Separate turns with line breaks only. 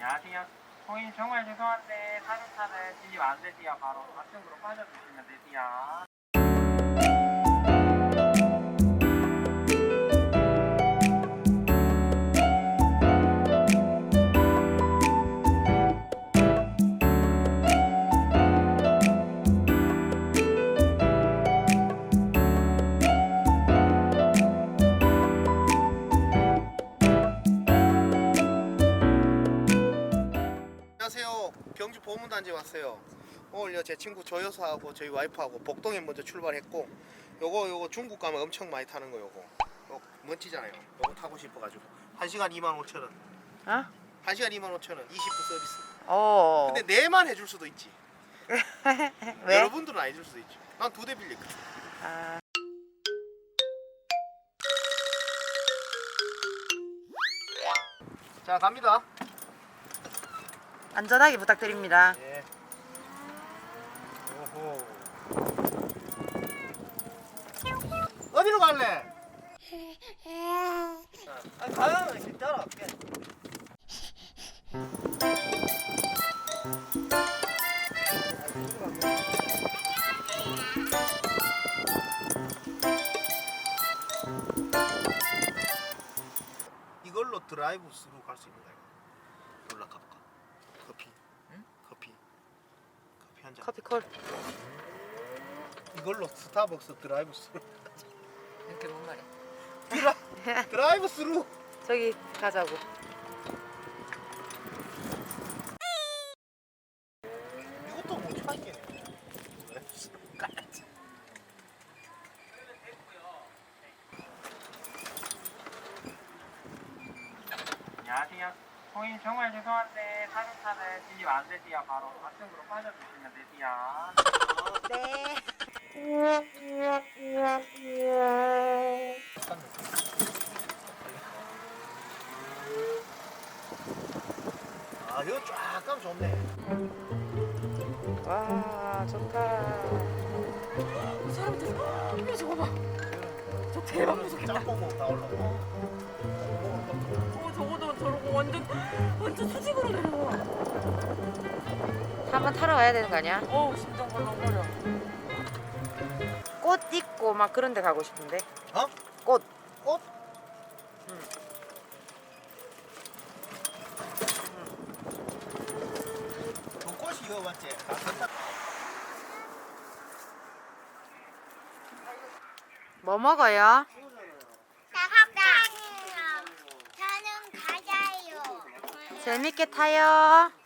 안녕하세요. 고객님 정말 죄송한데 사륜차는 진입 안 되지요. 바로 앞쪽으로 빠져주시면 되지요.
안녕하세요. 경주 보문단지 왔어요. 오늘요 제 친구 조여사하고 저희 와이프하고 복동에 먼저 출발했고 요거 중국 가면 엄청 많이 타는 거 요거 멋지잖아요. 요거 타고 싶어가지고 1시간 25,000원.
어?
1시간 25,000원 20분 서비스.
어.
근데 내만 해줄 수도 있지.
왜?
여러분들은 안 해줄 수도 있지. 난 2대 빌렸거든.
아.
자 갑니다.
안전하게 부탁드립니다.
예. 오호. 어디로 갈래? 가면 이렇게 따라갈게. 이걸로 드라이브 스루 갈 수 있는 거야. 올라가 볼까? 커피.
응?
커피 한 잔.
커피 콜.
이걸로 스타벅스 드라이브 스루.
이렇게 뭔 말이야?
드라이브 스루.
저기 가자고.
이것도 못 찾겠네.
안녕하세요. 고객님 정말 죄송한데 사륜차는 진입 안 되지요. 바로 앞쪽으로 빠져주시면 되지요.
네.
아 이거 쫙 가면 좋네.
와, 좋다. 사람들 저거 봐. 저 대박 무섭겠다.
짬뽕 다 올라오고.
저거도 저러고 완전 수직으로 내려와. 한번 타러 가야 되는 거 아니야? 심장 벌렁거려. 꽃 있고 막 그런 데 가고 싶은데.
어?
꽃.
꽃?
응.
그 꽃이 이거 맞지?
뭐 먹어요?
저는 가자요.
재밌게 타요.